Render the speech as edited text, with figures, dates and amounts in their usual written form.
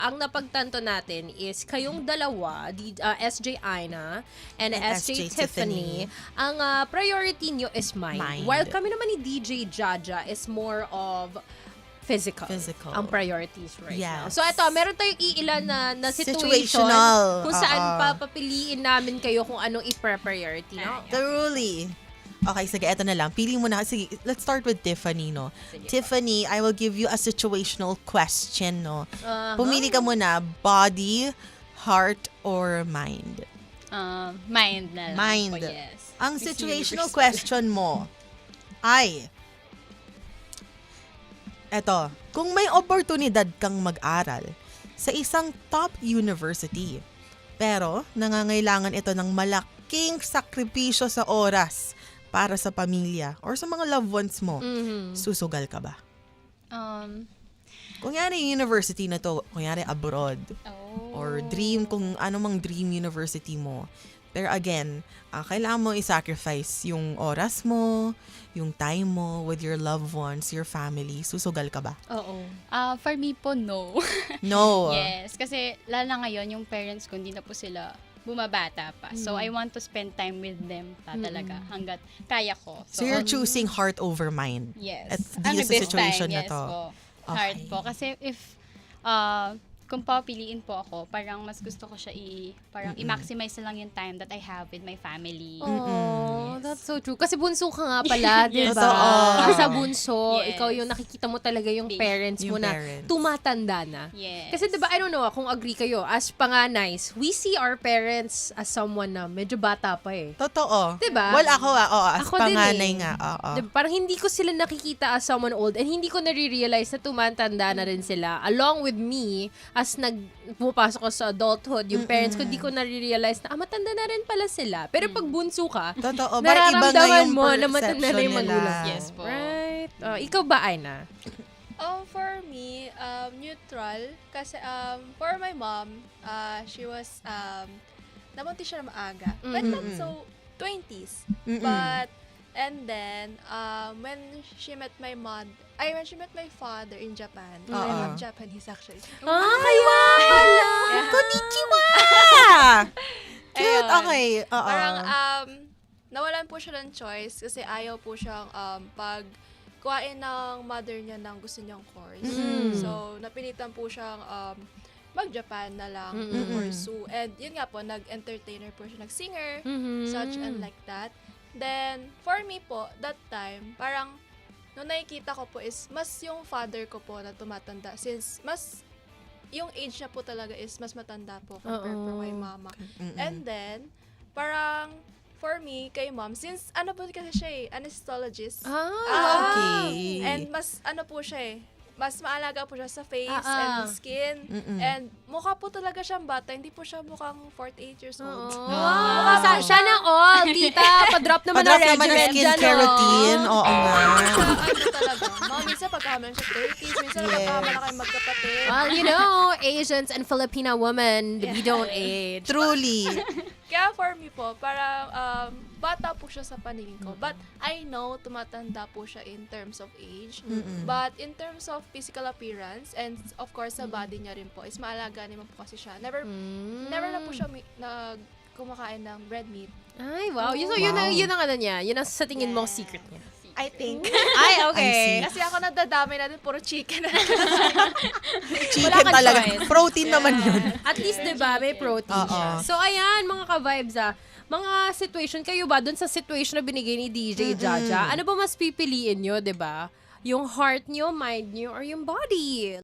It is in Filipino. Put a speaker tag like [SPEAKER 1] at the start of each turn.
[SPEAKER 1] ang napagtanto natin is kayong dalawa, SJ Aina and SJ Tiffany, ang priority nyo is mind. While kami naman ni DJ Jaja is more of physical. Ang priorities now. So ito, meron tayong iilan na situation kung saan papapiliin namin kayo kung anong i-priority. No?
[SPEAKER 2] Truly. Okay, sige, eto na lang. Pili mo na. Sige, let's start with Tiffany, no? Sige. Tiffany, I will give you a situational question, no? Pumili ka muna, body, heart, or mind?
[SPEAKER 3] Mind na lang.
[SPEAKER 2] Mind.
[SPEAKER 3] Po, yes.
[SPEAKER 2] Ang situational question mo ay, eto, kung may oportunidad kang mag-aral sa isang top university, pero nangangailangan ito ng malaking sakripisyo sa oras para sa pamilya or sa mga loved ones mo, susugal ka ba? Kunyari university na to, kunyari abroad, or dream, kung ano mang dream university mo. Pero again, kailangan mo i-sacrifice yung oras mo, yung time mo with your loved ones, your family. Susugal ka ba?
[SPEAKER 1] Oo.
[SPEAKER 3] For me po, no.
[SPEAKER 2] No.
[SPEAKER 3] Yes, kasi lalo na ngayon, yung parents ko, hindi na po sila bumabata pa. So, I want to spend time with them talaga hanggat kaya ko.
[SPEAKER 2] So you're choosing heart over mind?
[SPEAKER 3] Yes.
[SPEAKER 2] At dito sa situation na
[SPEAKER 3] yes
[SPEAKER 2] to?
[SPEAKER 3] Po. Heart po. Kasi if, kung papiliin po ako, parang mas gusto ko siya parang i-maximize na lang yung time that I have with my family.
[SPEAKER 1] Oh, that's so true. Kasi bunso ka nga pala, di
[SPEAKER 3] Yes.
[SPEAKER 1] ba?
[SPEAKER 2] Totoo.
[SPEAKER 1] Sa bunso,
[SPEAKER 3] Yes.
[SPEAKER 1] ikaw yung nakikita mo talaga yung parents mo
[SPEAKER 2] Yung
[SPEAKER 1] na
[SPEAKER 2] parents.
[SPEAKER 1] tumatanda na.
[SPEAKER 3] Yes.
[SPEAKER 1] Kasi diba, I don't know kung agree kayo, as panganays, we see our parents as someone na medyo bata pa eh.
[SPEAKER 2] Totoo.
[SPEAKER 1] Diba?
[SPEAKER 2] Well, ako as
[SPEAKER 1] Ako din
[SPEAKER 2] panganay
[SPEAKER 1] eh.
[SPEAKER 2] nga. Oo.
[SPEAKER 1] Diba, parang hindi ko sila nakikita as someone old and hindi ko nare-realize na tumatanda na rin sila. Along with me, as pumapasok ko sa adulthood, yung parents ko, di ko nare-realize na, matanda na rin pala sila. Pero pag bunso ka,
[SPEAKER 2] Totoo. Parang iba nga
[SPEAKER 1] nararamdaman
[SPEAKER 2] yung
[SPEAKER 1] mo na matanda na yung
[SPEAKER 2] perception nila.
[SPEAKER 1] magulang mo.
[SPEAKER 3] Yes po.
[SPEAKER 1] Right? Ikaw ba, Aina?
[SPEAKER 4] For me, neutral. Kasi for my mom, she was, nabuntis siya na maaga. But not so 20s. But, and then, when she met my father in Japan, I'm not Japanese actually.
[SPEAKER 1] Kaya pala!
[SPEAKER 2] Konnichiwa! Cute,
[SPEAKER 4] Ayun.
[SPEAKER 2] okay. Oo.
[SPEAKER 4] Parang, nawalan po siya ng choice kasi ayaw po siyang kuhain ng mother niya ng gusto niyang course. So, napilitan po siyang mag-Japan na lang to pursue. And yun nga po, nag-entertainer po siya, nag-singer, such and like that. Then, for me po, that time, parang, nung nakikita ko po is, mas yung father ko po na tumatanda. Since, mas, yung age niya po talaga is, mas matanda po compared po kay mama. And then, parang, for me, kay mom, since, ano po kasi siya anesthesiologist.
[SPEAKER 2] Okay.
[SPEAKER 4] And mas, ano po siya mas maalaga po siya sa face and skin. And mukha po talaga siyang bata. Hindi po siya mukhang 48 years old.
[SPEAKER 1] Sana all, tita, pa-drop naman
[SPEAKER 2] Padrop
[SPEAKER 1] ang
[SPEAKER 2] naman ng
[SPEAKER 1] regimen dyan,
[SPEAKER 2] skincare
[SPEAKER 1] oh.
[SPEAKER 2] routine. Oo nga.
[SPEAKER 4] Ano talaga. Mga minsan pagkahamlan siya 30s, minsan pagkahamlan kayo magkapatid.
[SPEAKER 1] Well, you know, Asians and Filipina women, we don't age.
[SPEAKER 2] Truly.
[SPEAKER 4] Kaya for me po, parang bata po siya sa paningin ko. But I know tumatanda po siya in terms of age. But in terms of physical appearance and of course sa body niya rin po, is maalaga naman po kasi siya. Never na po siya kumakain ng red meat.
[SPEAKER 1] Ay, wow. So, yun ang ano niya. Yun ang sa tingin mong secret niya.
[SPEAKER 4] I think.
[SPEAKER 1] Ay, okay.
[SPEAKER 2] I see.
[SPEAKER 4] Kasi ako nadadamay na din, puro chicken.
[SPEAKER 2] Chicken
[SPEAKER 1] kang
[SPEAKER 2] talaga.
[SPEAKER 1] choice.
[SPEAKER 2] Protein naman yun.
[SPEAKER 1] At least, diba, may protein siya. So, ayan, mga ka-vibes, mga situation, kayo ba, dun sa situation na binigay ni DJ Jaja, ano ba mas pipiliin nyo, diba? Yung heart nyo, mind nyo, or yung body?